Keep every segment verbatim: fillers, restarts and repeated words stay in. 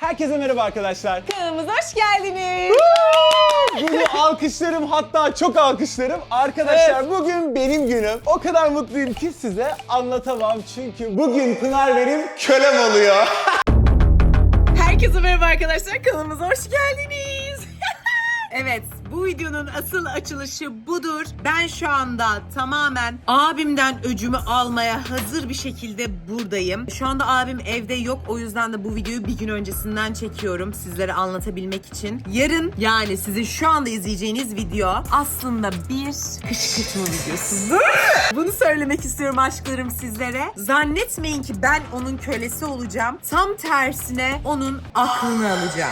Herkese merhaba arkadaşlar. Kanalımıza hoş geldiniz. Bunu alkışlarım, hatta çok alkışlarım. Arkadaşlar Evet. bugün benim günüm. O kadar mutluyum ki size anlatamam. Çünkü bugün Pınar benim kölem oluyor. Herkese merhaba arkadaşlar. Kanalımıza hoş geldiniz. Evet, bu videonun asıl açılışı budur. Ben şu anda tamamen abimden öcümü almaya hazır bir şekilde buradayım. Şu anda abim evde yok. O yüzden de bu videoyu bir gün öncesinden çekiyorum sizlere anlatabilmek için. Yarın, yani sizin şu anda izleyeceğiniz video aslında bir kışkırtma videosudur. Bunu söylemek istiyorum aşklarım sizlere. Zannetmeyin ki ben onun kölesi olacağım. Tam tersine onun aklını alacağım.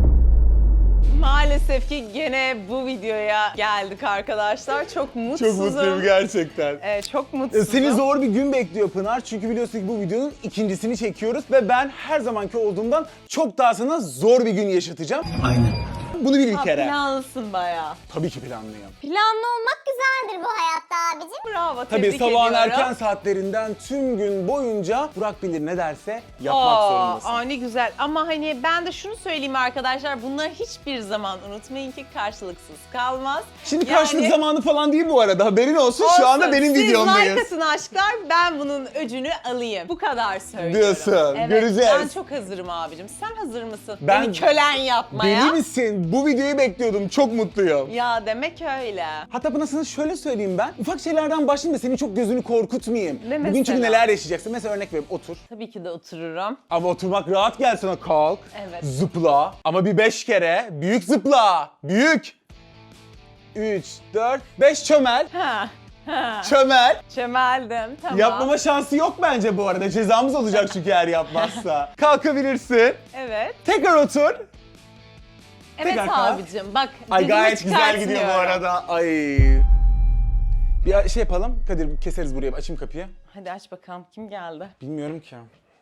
Maalesef ki gene bu videoya geldik arkadaşlar. Çok mutsuzum. Çok mutluyum gerçekten. Evet, çok mutsuzum. Seni zor bir gün bekliyor Pınar. Çünkü biliyorsun ki bu videonun ikincisini çekiyoruz. Ve ben her zamanki olduğumdan çok daha sana zor bir gün yaşatacağım. Aynen. Bunu bil bir Ha, kere. planlısın bayağı. Tabii ki planlıyım. Planlı olmak güzeldir bu hayatta abicim. Bravo, Tabii tebrik sabahın ediyorum. erken saatlerinden tüm gün boyunca Burak bilir ne derse yapmak Aa, zorundasın. aa, ne güzel. Ama hani ben de şunu söyleyeyim arkadaşlar. Bunları hiçbir zaman unutmayın ki karşılıksız kalmaz. Şimdi Yani- karşılık zamanı falan değil bu arada, haberin olsun. Şu anda Olsun, benim siz videomdayız. like atın aşklar, ben bunun öcünü alayım. Bu kadar söylüyorum. Diyorsun, Evet, göreceğiz. Ben çok hazırım abicim. Sen hazır mısın? Ben- Beni kölen yapmaya. Deli misin? Bu videoyu bekliyordum. Çok mutluyum. Ya demek öyle. Hatta bana sana şöyle söyleyeyim ben. Ufak şeylerden başlayayım da senin çok gözünü korkutmayayım. Ne Bugün çünkü mesela? neler yaşayacaksın. Mesela örnek vereyim, otur. Tabii ki de otururum. Ama oturmak rahat gel sana, kalk. Evet. Zıpla. Ama bir beş kere. Büyük zıpla. Büyük. Üç, dört, beş çömel. Ha. Ha. Çömel. Çömeldim. Tamam. Yapmama şansı yok bence bu arada. Cezamız olacak çünkü eğer yapmazsa. Kalkabilirsin. Evet. Tekrar otur. Evet Tekrar kalk. abicim. Bak. Ay dediğimi gayet güzel gidiyor bu çıkartmıyorum. arada. Ay. Bir şey yapalım. Kadir keseriz buraya. Açayım kapıyı. Hadi aç bakalım. Kim geldi? Bilmiyorum ki.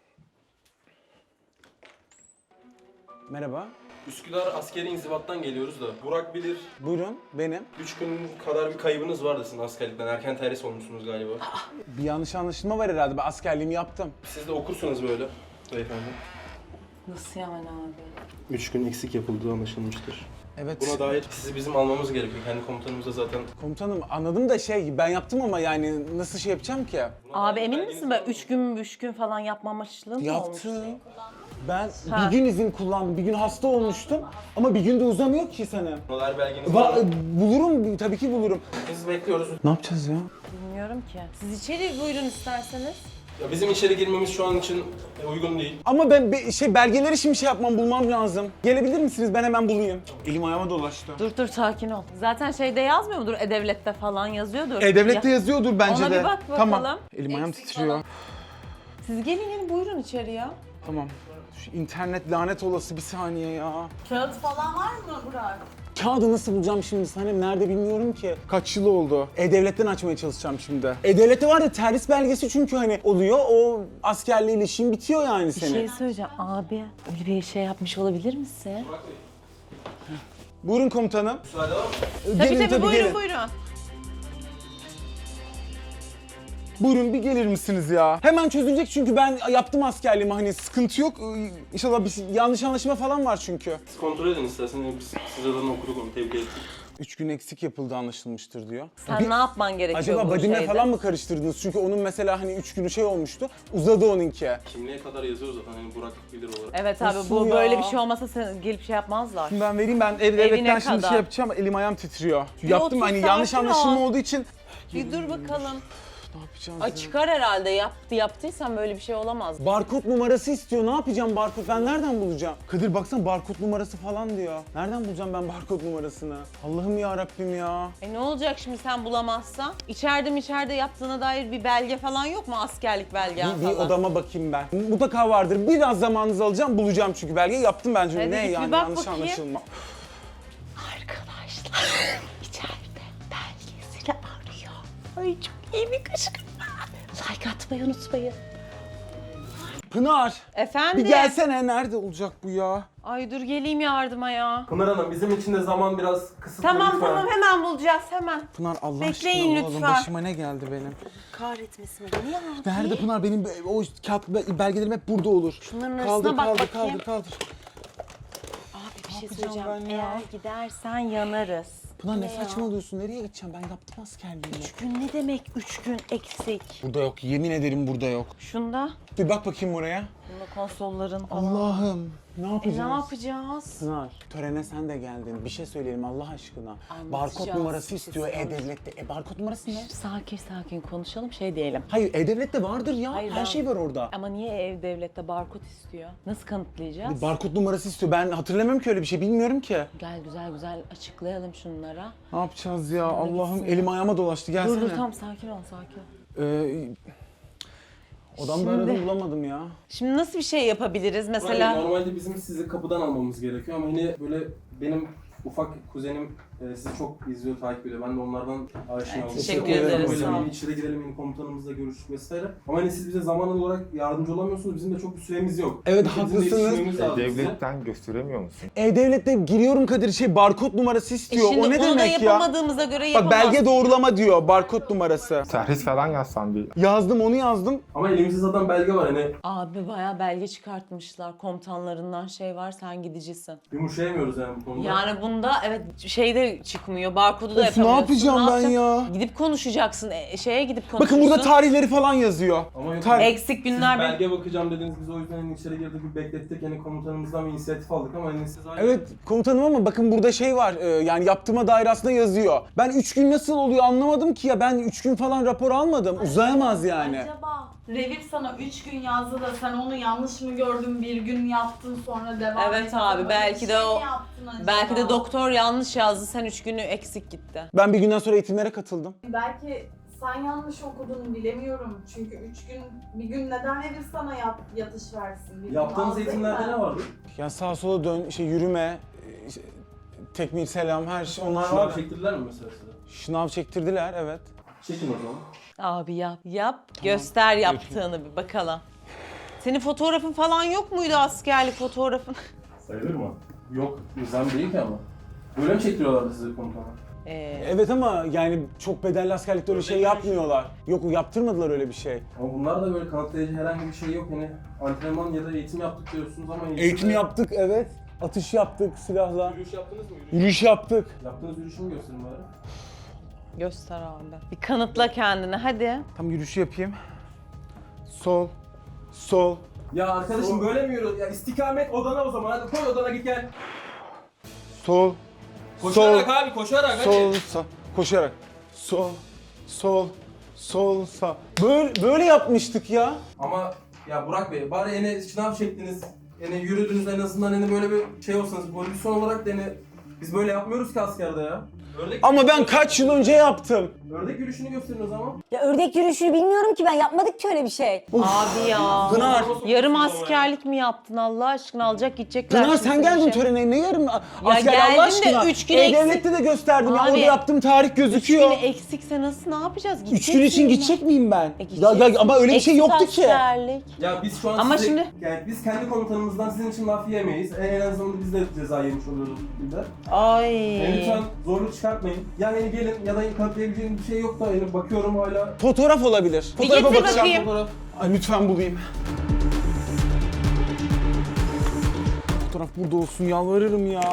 Merhaba. Üsküdar askeri inzibattan geliyoruz da. Burak bilir, Buyurun, benim. üç gün kadar bir kaybınız vardı sizin askerlikten. Erken terhis olmuşsunuz galiba. Bir yanlış anlaşılma var herhalde. Ben askerliğimi yaptım. Siz de okursunuz böyle beyefendi. Nasıl yani abi? Üç gün eksik yapıldığı anlaşılmıştır. Evet. Buna dair sizi bizim almamız gerekiyor. Kendi komutanımız da zaten... Komutanım anladım da şey, ben yaptım ama yani nasıl şey yapacağım ki? Abi emin misin böyle üç gün üç gün falan yapma amaçlılığın mı olmuş? Yaptım. Ben Ha. bir gün izin kullandım. Bir gün hasta olmuştum. Ama bir gün de uzamıyor ki senin. Bunlar belgeniz var Va- mı? bulurum, tabii ki bulurum. Biz bekliyoruz. Ne yapacağız ya? Bilmiyorum ki. Siz içeri buyurun isterseniz. Ya bizim içeri girmemiz şu an için uygun değil. Ama ben be- şey belgeleri şimdi şey yapmam, bulmam lazım. Gelebilir misiniz? Ben hemen bulayım. Elim ayağıma dolaştı. Dur dur sakin ol. Zaten şeyde yazmıyor mudur? E-Devlet'te falan yazıyordur. E-Devlet'te Ya- yazıyordur bence Ona de. bir bak Tamam. bakalım. Elim ayağım Eksik titriyor. falan. Siz gelin gelin buyurun içeri ya. Tamam. Şu internet lanet olası, bir saniye ya. Kağıt falan var mı Burak? Kağıdı nasıl bulacağım şimdi Sanem? Nerede bilmiyorum ki. Kaç yıl oldu? E-Devlet'ten açmaya çalışacağım şimdi. E-Devlet'te var ya, terhis belgesi çünkü hani oluyor. O askerliğiyle işin bitiyor yani Bir senin. şey söyleyeceğim abi. Öyle bir şey yapmış olabilir misin? Buyurun komutanım. Müsaade var mı? Tabii Gelin, tabii, buyurun gelin. buyurun. Buyurun bir gelir misiniz ya? Hemen çözülecek çünkü ben yaptım askerliğimi, hani sıkıntı yok. Ee, İnşallah bir şey- yanlış anlaşılma falan var çünkü. Siz kontrol edin isterseniz. Biz siz adını okuduk onu. Tebrik ettik. Üç gün eksik yapıldığı anlaşılmıştır diyor. Sen Bir- ne yapman gerekiyor Acaba bu Badim'le şeyde? falan mı karıştırdınız? Çünkü onun mesela hani üç günü şey olmuştu. Uzadı onunki. Kimliğe kadar yazıyoruz zaten. Hani Burak bilir olarak. Evet abi, Nasıl bu ya? böyle bir şey olmasa sen gelip şey yapmazlar. Şimdi ben vereyim, ben ev devletten şimdi kadar. şey yapacağım, elim ayağım titriyor. Yaptım otur, hani yanlış sakin ol. anlaşılma olduğu için. Bir dur bakalım. Ne yapacağız Ay ya? çıkar herhalde, yaptı yaptıysan böyle bir şey olamaz. Barkod numarası istiyor. Ne yapacağım barkod? Ben nereden bulacağım? Kadir baksana, barkod numarası falan diyor. Nereden bulacağım ben barkod numarasını? Allah'ım ya Rabbim ya. E ne olacak şimdi sen bulamazsan? İçeride mi içeride yaptığına dair bir belge falan yok mu? Askerlik belgen Bir, bir falan. odama bakayım ben. Mutlaka vardır. Biraz zamanınızı alacağım, bulacağım çünkü belgeyi yaptım bence. Hadi Ne git bir yani, bak yanlış bakayım. anlaşılma. Arkadaşlar içeride belgesiyle arıyor. Ay çok iyi bir kışkırtma. Like atmayı unutmayın. Pınar, Efendim? bir gelsene. Nerede olacak bu ya? Ay dur geleyim yardıma ya. Pınar Hanım bizim için de zaman biraz kısıtlı Tamam lütfen. tamam hemen bulacağız hemen. Pınar Allah Bekleyin aşkına oğlum, lütfen. başıma ne geldi benim? Kahretmesin beni ya. Nerede Pınar? Benim o kağıt belgelerim hep burada olur. Şunların kaldır, arasına bak kaldır, bakayım. kaldır, kaldır. Bir şey yapacağım söyleyeceğim. ben ya? Eğer gidersen yanarız. Pınar ne ya? saçmalıyorsun? Nereye gideceğim? Ben yaptım askerliğimi. Üç gün ne demek? Üç gün eksik. Burada yok. Yemin ederim burada yok. Şunda. Bir bak bakayım oraya. Bunda konsolların falan. Allah'ım. Ne E, yapacağız? ne yapacağız? Pınar, törene sen de geldin. Bir şey söyleyelim Allah aşkına. Anlatacağız. Barkod numarası Bir şey istiyor söyleyeceğim. E-Devlet'te. E barkod numarası ne? Sakin sakin konuşalım şey diyelim. Hayır E-Devlet'te vardır ya. Hayır, Her ben- şey var orada. Ama niye ev devlette barkod istiyor? Nasıl kanıtlayacağız? Barkod numarası istiyor. Ben hatırlamıyorum ki öyle bir şey. Bilmiyorum ki. Gel güzel güzel açıklayalım şunlara. Ne yapacağız ya? Allah'ım gitsin. elim ayağıma dolaştı. Gelsene. Dur dur tam sakin ol sakin ol. Ee, odamda Şimdi- aradım bulamadım ya. Şimdi nasıl bir şey yapabiliriz Mesela... mesela? Normalde bizim sizi kapıdan almamız gerekiyor ama yine böyle benim ufak kuzenim e, sizi çok izliyor, takip ediyor. Ben de onlardan aşina oldum. teşekkür İşte o yüzden ederiz, Böyle sağ ol. bir içeri girelim, yeni komutanımızla görüştük vesaire. Ama hani siz bize zaman olarak yardımcı olamıyorsunuz. Bizim de çok bir süremiz yok. Evet, Bizim de haklısınız. yetişmemiz lazım size. Devletten gösteremiyor musun? E-Devlet'te giriyorum Kadir şey barkod numarası E istiyor. şimdi o ne onu da demek ya? yapamadığımıza göre Bak yapamaz. belge doğrulama diyor barkod numarası. Servis falan yazsan bir. Yazdım onu yazdım. Ama elimizde zaten belge var hani Abi bayağı belge çıkartmışlar. Komutanlarından şey var sen gidicisin. yumuşayamıyoruz yani bu konuda. Yani bunda evet şeyde çıkmıyor. Barkodu da Of, ne yapamıyorsun. yapacağım ben yapacaksın? ya? Gidip konuşacaksın. e, şeye gidip konuşursun. Bakın burada tarihleri falan yazıyor. Ama yok. Tarih- Eksik Siz günler bir... belge bakacağım dediniz, biz o yüzden hani içeri girdik, bir beklettik, hani komutanımızdan bir inisiyatif aldık ama hani siz hala... Evet komutanım ama bakın burada şey var e, yani yaptırma daire aslında yazıyor. Ben üç gün nasıl oluyor anlamadım ki ya ben üç gün falan rapor almadım. Uzayamaz yani. Acaba revir sana üç gün yazdı da sen onu yanlış mı gördün, bir gün yaptın sonra devam Evet ettin. abi, Öyle belki bir de şey o- mi yaptın acaba? Belki de doktor yanlış yazdı. Sen üç günü eksik gitti. Ben bir günden sonra eğitimlere katıldım. Belki sen yanlış okudun, bilemiyorum. Çünkü üç gün, bir gün neden revir sana yat, yatış versin? Bir gün Yaptığınız az değil eğitimlerde mi? ne vardı? Ya sağa sola dön, şey yürüme, e, işte, tekmil selam her şey onlar Şınav var. çektirdiler mi mesela size? Şınav çektirdiler evet. Çekin o zaman. Abi yap. Yap. Göster yaptığını bir bakalım. Senin fotoğrafın falan yok muydu askerlik fotoğrafın? Sayılır mı? Yok, nizam değil ki ama. Böyle mi çektiriyorlardı sizi komutana? Ee, Evet ama yani çok bedelli askerlikte öyle şey yapmıyorlar. Yok yaptırmadılar öyle bir şey. Ama bunlar da böyle kanıtlayıcı herhangi bir şey yok. Hani antrenman ya da eğitim yaptık diyorsunuz ama... Eğitim yaptık evet. Atış yaptık silahla. Yürüyüş yaptınız mı? Yürüyüş. Yürüyüş yaptık. Yaptığınız yürüyüşü mü gösterin bari? göster abi. Bir kanıtla kendini hadi. Tam yürüyüşü yapayım. Sol, sol, Ya arkadaşım böyle mi yürüyoruz? Ya istikamet odana o zaman. Hadi koy odana git gel. sol, Koşarak abi koşarak hadi. sol, sağ. Koşarak. Sol, sol, sol, sağ. Böyle, böyle yapmıştık ya. Ama ya Burak Bey bari yine sınav çektiniz. Yani yürüdünüz en azından hani böyle bir şey olsanız pozisyon olarak da hani biz böyle yapmıyoruz ki askerde ya. Ördek Ama ben kaç yıl önce yaptım. Ördek yürüyüşünü gösterin o zaman. Ya ördek yürüyüşünü bilmiyorum ki ben yapmadık ki öyle bir şey. Abi ya. Pınar. Yarım askerlik mi yaptın Allah aşkına alacak gidecekler. Pınar şimdi sen seni geldin şey- törene ne yarım asker geldim de Allah aşkına. üç gün E-Devlet'te de gösterdim ya Abi, orada yaptığım tarih Üç gözüküyor. günü eksikse nasıl ne yapacağız? Üç Gidecek gün için miyim gidecek miyim ben? E, Ya, gideceksin. ya, ama öyle bir şey Eksik yoktu ki. askerlik. Ya biz şu an Ama size, şimdi- yani biz kendi komutanımızdan sizin için laf yiyemeyiz. En azından biz de ceza yemiş oluyoruz bu şekilde. Ay. Yani lütfen zorluk çıkartmayın. Yani hani gelin ya da kanıtlayabileceğiniz bir şey yok da yani bakıyorum hala. Fotoğraf olabilir. Bir Fotoğrafa getir bakacağım. bakayım. Fotoğraf. Ay lütfen bulayım. Fotoğraf burada olsun yalvarırım ya.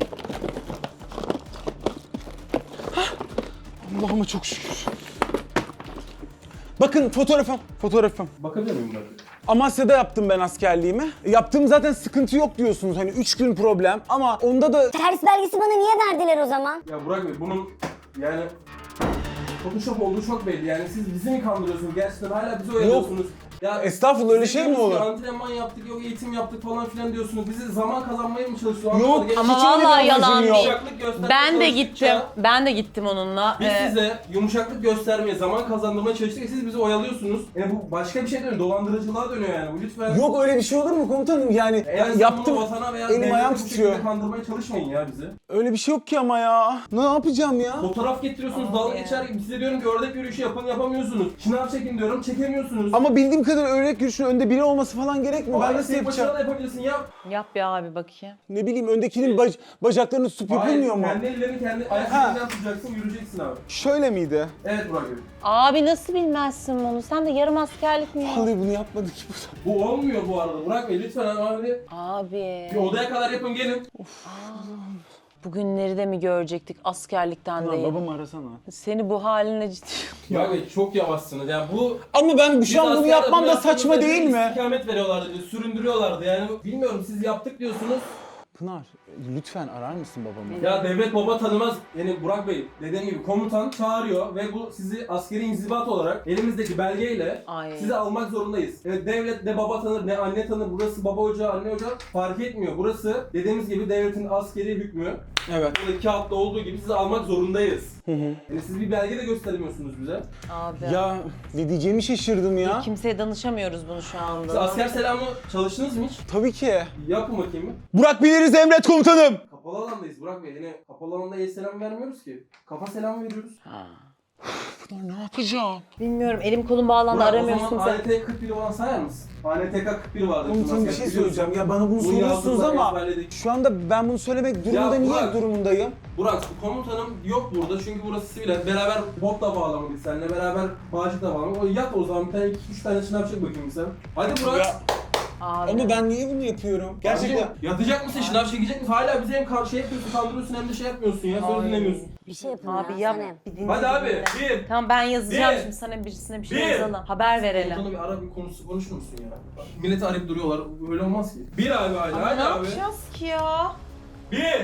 Hah! Allah'ıma çok şükür. Bakın fotoğrafım. Fotoğrafım. Bakabilir miyim ben? Amasya'da yaptım ben askerliğimi. Yaptığım zaten sıkıntı yok diyorsunuz. Hani üç gün problem ama onda da Terhis belgesi bana niye verdiler o zaman? Ya Burak Bey bunun yani Photoshop olduğu çok belli. Yani siz bizi mi kandırıyorsunuz? Gerçekten hala bizi oyalıyorsunuz. Ya Estağfurullah, öyle siz şey mi diyorsunuz olur? ki Antrenman yaptık, yok eğitim yaptık falan filan diyorsunuz. Bizi zaman kazanmaya mı çalışıyorsunuz? Yok, Anlamadım. Ama Hiç öyle bir vallahi amacım yalan yok. değil. Yumuşaklık göstermeye Ben de çalıştıkça gittim. Ben de gittim onunla. Biz Ee, size yumuşaklık göstermeye, zaman kazandırmaya çalıştık. Siz bizi oyalıyorsunuz. Yani bu başka bir şey dönüyor. Dolandırıcılığa dönüyor yani. Bu lütfen. yok öyle bir şey olur mu komutanım? Yani Eğer ben siz yaptım. bunu vatana veya Elim devlete ayağım bu şekilde titriyor. kandırmaya çalışmayın ya bizi. Öyle bir şey yok ki ama ya. Ne yapacağım ya? Fotoğraf getiriyorsunuz, Abi dalga ya. geçer gibi. Size diyorum ki ördek yürüyüşü yapın, yapamıyorsunuz. Şınav çekin diyorum, çekemiyorsunuz. Ama bildiğim kadar örnek yürüyüşün önde biri olması falan gerekmiyor. Ben Hayır, nasıl tek başına yapacağım? da yapabilirsin yap. Yap bir abi bakayım. Ne bileyim öndekinin bac- bacaklarını tutup yapılmıyor mu? Kendi ellerini kendi ayak Ha. elinden tutacaksın, yürüyeceksin abi. Şöyle miydi? Evet Burak Bey. Abi nasıl bilmezsin bunu? Sen de yarım askerlik mi? Vallahi bunu yapmadık ki burada. Bu olmuyor bu arada. Burak Bey lütfen abi. Abi. Bir odaya kadar yapın gelin. Bugünleri de mi görecektik askerlikten Lan değil? babamı arasana. Seni bu haline ciddi... Burak Bey çok yavaşsınız. Yani bu Ama ben Biz şu an bunu askerde yapmam bunu da saçma yaptığımızda değil bir mi? İstikamet veriyorlardı, bir süründürüyorlardı yani. Bilmiyorum siz yaptık diyorsunuz. Pınar lütfen arar mısın babamı? Ya devlet baba tanımaz. Yani Burak Bey dediğim gibi komutan çağırıyor ve bu sizi askeri inzibat olarak elimizdeki belgeyle Ay. sizi almak zorundayız. Evet devlet ne baba tanır ne anne tanır. Burası baba ocağı, anne ocağı fark etmiyor. Burası dediğimiz gibi devletin askeri hükmü. Evet. Buradaki kağıtta olduğu gibi sizi almak zorundayız. Yani siz bir belge de göstermiyorsunuz bize. Abi. Ya ne diyeceğimi şaşırdım ya. Kimseye danışamıyoruz bunu şu Siz anda. asker selamı çalıştınız mı hiç? Tabii ki. Yapın bakayım bir. Burak biliriz emret komutanım. Kapalı alandayız Burak Bey. Yine kapalı alanda el selam vermiyoruz ki. Kafa selamı veriyoruz. Pınar ne yapacağım? Bilmiyorum elim kolum bağlandı Burak, aramıyorsun o zaman sen. A N T kırk bir olan sayar mısın? A N T K kırk bir vardı. Komutanım bir şey söyleyeceğim. Ya bana bunu Bunu soruyorsunuz yazdılar, ama ezberledik. şu anda ben bunu söylemek durumunda niye Burak. durumundayım? Burak komutanım yok burada çünkü burası sivil. Beraber botla bağlamadık seninle. Beraber bağcıkla bağlamadık. O yat o zaman bir tane iki üç tane şınav çek bakayım sen. Hadi Burak. Ya, Abi. ama ben niye bunu yapıyorum? Gerçekten. Abicim, yatacak mısın? Şınav çekecek misin? Hala bize hem kar- şey yapıyorsun, kandırıyorsun hem de şey yapmıyorsun ya. Söz dinlemiyorsun. Bir şey yapın Abi ya. yap. Sanem. Bir dinle, Hadi bir abi. dinle. Bir. Tamam ben yazacağım Bir. şimdi sana birisine bir şey Bir. yazalım. Haber verelim. Komutanı bir ara bir konusu konuşur musun ya? Bak, milleti arayıp duruyorlar. Öyle olmaz ki. Bir abi hala. Ama Hadi ne abi. yapacağız ki ya? Bir.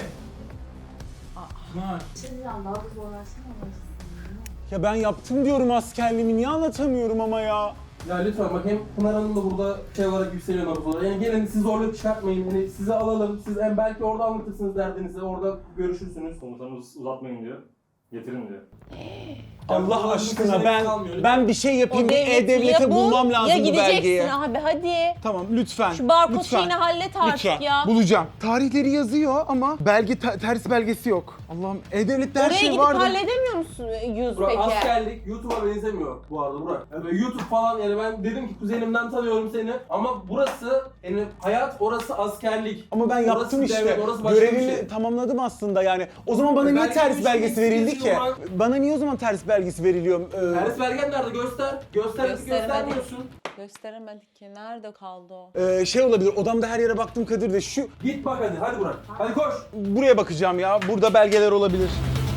Şimdi daha da zorlaşsın ama. Ya ben yaptım diyorum askerliğimi niye anlatamıyorum ama ya. Ya lütfen bak hem Pınar Hanım da burada şey olarak yükseliyor nabız olarak. Yani gelin siz zorluk çıkartmayın. Yani sizi alalım. Siz hem belki orada anlatırsınız derdinizi. Orada görüşürsünüz. Komutanımız uzatmayın diyor. Getirin diyor. Allah burada aşkına seçenek ben kalmıyor. ben bir şey yapayım. Bir E-Devlet'e bulmam lazım ya bu gideceksin belgeyi. abi hadi. Tamam lütfen. Şu barkod lütfen. şeyini hallet artık Lütfen. ya. Bulacağım. Tarihleri yazıyor ama belge te- ters belgesi yok. Allah'ım E-Devlet'te her Oraya şey gidip vardı. halledemiyor musun yüz Burak peki? askerlik YouTube'a benzemiyor bu arada Burak. Yani böyle YouTube falan yani ben dedim ki kuzenimden tanıyorum seni ama burası yani hayat orası askerlik. Ama ben Orası yaptım devlet, işte. orası başka bir Görevimi şey. tamamladım aslında yani. O zaman bana E, niye belge ters demiş, belgesi neyse, verildi neyse, ki? o zaman- Bana niye o zaman ters belgesi veriliyor? Ee, Ters belgen nerede? Göster. Göster. Gösteremedik. Göstermiyorsun. Gösteremedik ki. Nerede kaldı o? e, şey olabilir. Odamda her yere baktım Kadir de şu Git bak hadi. Hadi Burak. Hadi koş. buraya bakacağım ya. Burada belgeler olabilir.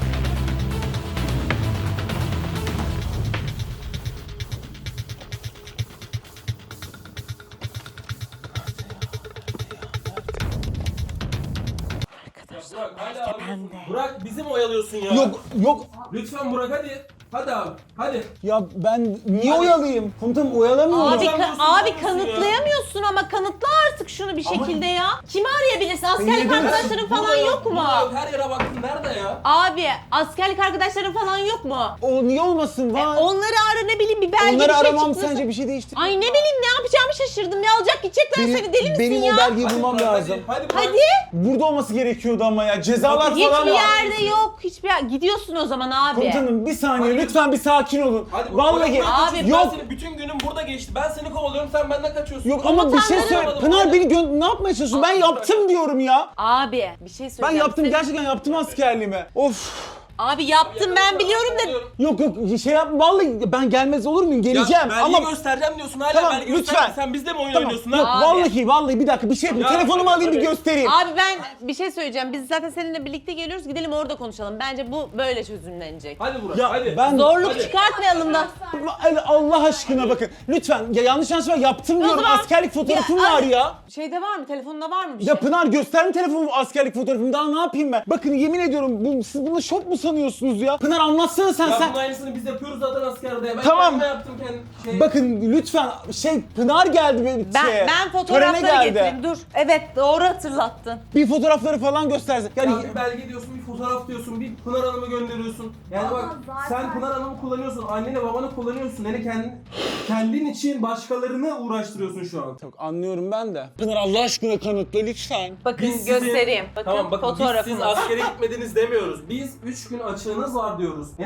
Burak hala arıyorsun. Burak bizi mi oyalıyorsun ya? Yok yok Lütfen Burak hadi. Hadi abi. Hadi. ya ben niye Hadi. oyalayayım? Komutanım oyalamıyorum. Abi, Hocam ka- diyorsun, abi ne yapıyorsun ya? kanıtlayamıyorsun ama kanıtla artık şunu bir Ama- şekilde ya. Kimi arayabilirsin? Niye Askerlik diyorsun? arkadaşların falan Burada yok mu? burada yok. Her yere baktın. Nerede ya? Abi askerlik arkadaşların falan yok mu? O niye olmasın? Var. Onları ara ne bileyim bir belge Onları bir şey aramam çıktı. sence bir şey değiştirir? Ay ne bileyim ne yapacağımı şaşırdım ya alacak gidecekler Benim, seni deli misin benim ya? o belgeyi Hadi bulmam Burak, lazım. Hadi. Hadi. Burak. Hadi. Burada olması gerekiyordu ama ya. Cezalar falan Hiçbir var. yerde yok. Hiçbir yer. Gidiyorsun o zaman abi. Komutanım bir saniye Hadi. lütfen bir sakin olun. Hadi Burak, Vallahi Burak, Burak, Abi, Ben yok. seni bütün günüm burada geçti. Ben seni kovalıyorum. Sen benden kaçıyorsun. yok ama bir şey Komutanları söyle. aramadım, Pınar hadi. beni gö- ne yapmaya çalışıyorsun? Ben yaptım diyorum ya. Abi bir şey Ben söyleyeceğim. yaptım Senin- gerçekten yaptım askerliğimi. Of. Abi yaptım ben biliyorum da. Yok yok şey yap vallahi ben gelmez olur muyum? Geleceğim Ya ama belgeyi göstereceğim diyorsun hala Tamam, belge lütfen. gösterme. Sen bizde mi oyun tamam. oynuyorsun Yok ha? Abi. vallahi vallahi bir dakika bir şey yapayım. Ya, Telefonumu alayım bir hadi. göstereyim. Abi ben bir şey söyleyeceğim. Biz zaten seninle birlikte geliyoruz. Gidelim orada konuşalım. Bence bu böyle çözümlenecek. Hadi Burak Ya hadi. ben Zorluk Hadi. çıkartmayalım da. Allah aşkına bakın. Lütfen ya yanlış anlaşılma yaptım diyorum. zaman- Askerlik fotoğrafım Ya, var ay- ya. Şeyde var mı? Telefonunda var mı bir Ya şey? Pınar göster telefonumu askerlik fotoğrafımı daha ne yapayım ben? Bakın yemin ediyorum bu, siz bunu şok mu sanıyorsunuz ya? Pınar anlatsana sen Ya sen. bunun aynısını biz yapıyoruz zaten askerde. Ben Tamam. kendime yaptım kendi şey. Bakın lütfen şey Pınar geldi benim Ben, şeye, ben törene fotoğrafları geldi. getireyim. Dur. Evet doğru hatırlattın. Bir fotoğrafları falan göstersin. Yani Ya bir belge diyorsun, bir fotoğraf diyorsun, bir Pınar Hanım'ı gönderiyorsun. Yani Ama bak zaten- sen Pınar Hanım'ı kullanıyorsun, anneni babanı kullanıyorsun. Yani kendin, kendin için başkalarını uğraştırıyorsun şu an. Yok, anlıyorum ben de. Pınar Allah aşkına kanıtla lütfen. Bakın Biz sizin- göstereyim. Bakın Tamam bakın biz siz fotoğrafımız. askere gitmediniz demiyoruz. Biz üç gün açığınız var diyoruz. Yani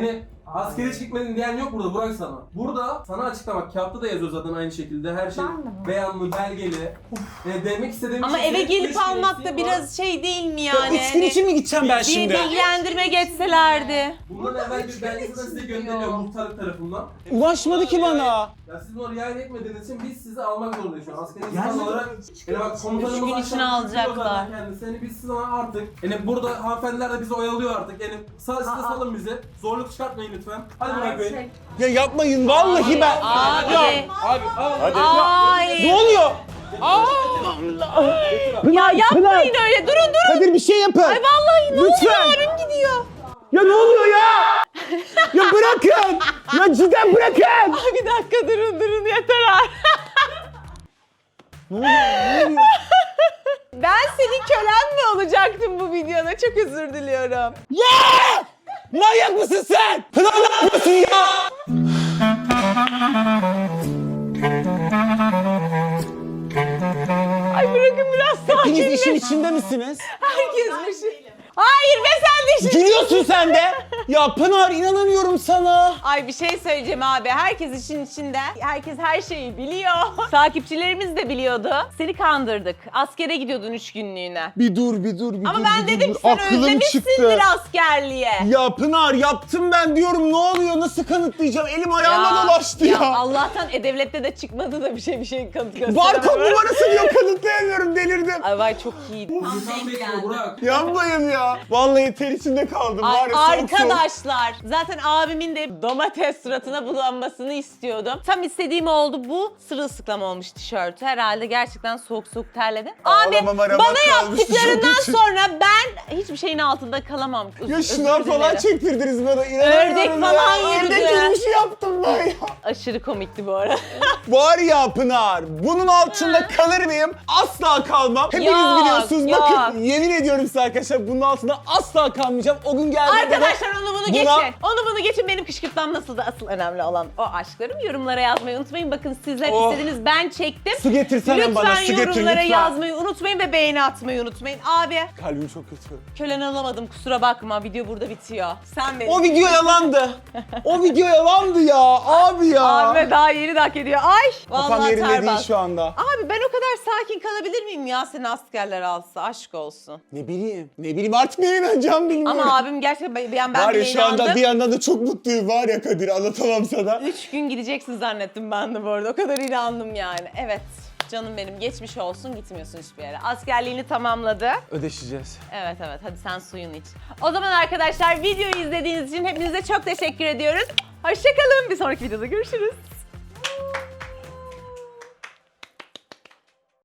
Askere hiç gitmedin diyen yok burada Burak sana. Burada sana açıklamak, kağıtta da yazıyor zaten aynı şekilde. Her şey beyanlı, belgeli. E, demek istediğim Ama şey eve senin gelip üç almak gün da eksiğin biraz şey değil mi yani? Üç gün için mi gideceğim ben Bir şimdi? bilgilendirme geçselerdi. Bundan evvel bir belgesi de size gönderiliyor muhtarlık tarafından. Ulaşmadı ki bana. Ya siz bunu riayet etmediğiniz için biz sizi almak zorundayız şu an. Askeri insan Gerçekten. olarak yani bak komutanımız Üç gün aşağıda içine tutuyor alacaklar. zaten kendisi. Yani biz size artık yani burada hanımefendiler de bizi oyalıyor artık. Yani sağ size salın bizi. Zorluk çıkartmayın lütfen. Hadi Burak Bey. Gerçek. Ya yapmayın vallahi ben. Abi. Ya, Abi al. Hadi. Ay. ne oluyor? Ya yapmayın öyle. Durun durun. Kadir bir şey yapın. Ay vallahi ne Lütfen. oluyor? Abim gidiyor. Ya ne oluyor ya? Ya bırakın. Ya cidden bırakın. Ay bir dakika durun durun yeter artık. Ne oluyor? Ne oluyor? Ben senin kölen mi olacaktım bu videoda? Çok özür diliyorum. Ya! Manyak mısın sen? Pınar ne yapıyorsun ya? Ay bırakın biraz Hepiniz işin sakinleş. içinde misiniz? Herkes bir şey. Hayır be sen de işin. Gülüyorsun sen de. Ya Pınar inanamıyorum sana. Ay bir şey söyleyeceğim abi. Herkes işin içinde. Herkes her şeyi biliyor. Takipçilerimiz de biliyordu. Seni kandırdık. Askere gidiyordun üç günlüğüne. Bir dur bir dur bir Ama dur. ben bir dur, dedim dur. ki sen Aklım özlemişsindir çıktı. askerliğe. Ya Pınar yaptım ben diyorum ne oluyor nasıl kanıtlayacağım elim ayağıma dolaştı ya. Allah'tan E-Devlet'te de çıkmadı da bir şey bir şey kanıt gösteremem. Barkod numarası diyor kanıtlayamıyorum delirdim. Ay vay çok iyiydi. İnsan bekliyor Burak. Yapmayın ya. Vallahi ter içinde kaldım Ay, var ya soğuk soğuk. arkadaşlar zaten abimin de domates suratına bulanmasını istiyordum. Tam istediğim oldu. Bu sırılsıklam olmuş tişörtü. Herhalde gerçekten soğuk soğuk terledim. Abi Ağlamam arama bana kalmıştı yaptıklarından çok için. sonra ben hiçbir şeyin altında kalamam. Ya Özür şınav falan dilerim. çektirdiniz bana inanamıyorum Ördek ya. falan yürüdü. Ördek yürüyüşü yaptım ben ya. Aşırı komikti bu arada. Var ya Pınar, bunun altında kalır mıyım? Asla kalmam. Hepiniz Yok, biliyorsunuz. yok. Bakın yemin ediyorum size arkadaşlar bunun altında asla kalmayacağım. O gün geldiğinde de Arkadaşlar onu bunu buna- geçin. Onu bunu geçin. Benim kışkırtmam nasıldı? Asıl önemli olan o aşklarım. Yorumlara yazmayı unutmayın. Bakın sizler Oh. istediniz. Ben çektim. Su getirsene Lütfen bana, su getir yorumlara lütfen. yazmayı unutmayın ve beğeni atmayı unutmayın. Abi Kalbim çok kötü. kölen alamadım. Kusura bakma. Video burada bitiyor. Sen benim. O video yalandı. O video yalandı ya. Abi ya. Abi daha yeni de hak ediyor. Ay. Kafam Vallahi yerinde ter değil bas. şu anda. Abi ben o kadar sakin kalabilir miyim ya seni askerler alsa? Aşk olsun. Ne bileyim. Ne bileyim artık neye inanacağım bilmiyorum. Ama abim gerçekten ben, ben var ya bile şu anda inandım. bir yandan da çok mutluyum var ya Kadir anlatamam sana. Üç gün gideceksin zannettim ben de bu arada. O kadar inandım yani. Evet. Canım benim geçmiş olsun gitmiyorsun hiçbir yere. Askerliğini tamamladı. Ödeşeceğiz. Evet evet hadi sen suyunu iç. O zaman arkadaşlar videoyu izlediğiniz için hepinize çok teşekkür ediyoruz. Hoşçakalın. Bir sonraki videoda görüşürüz.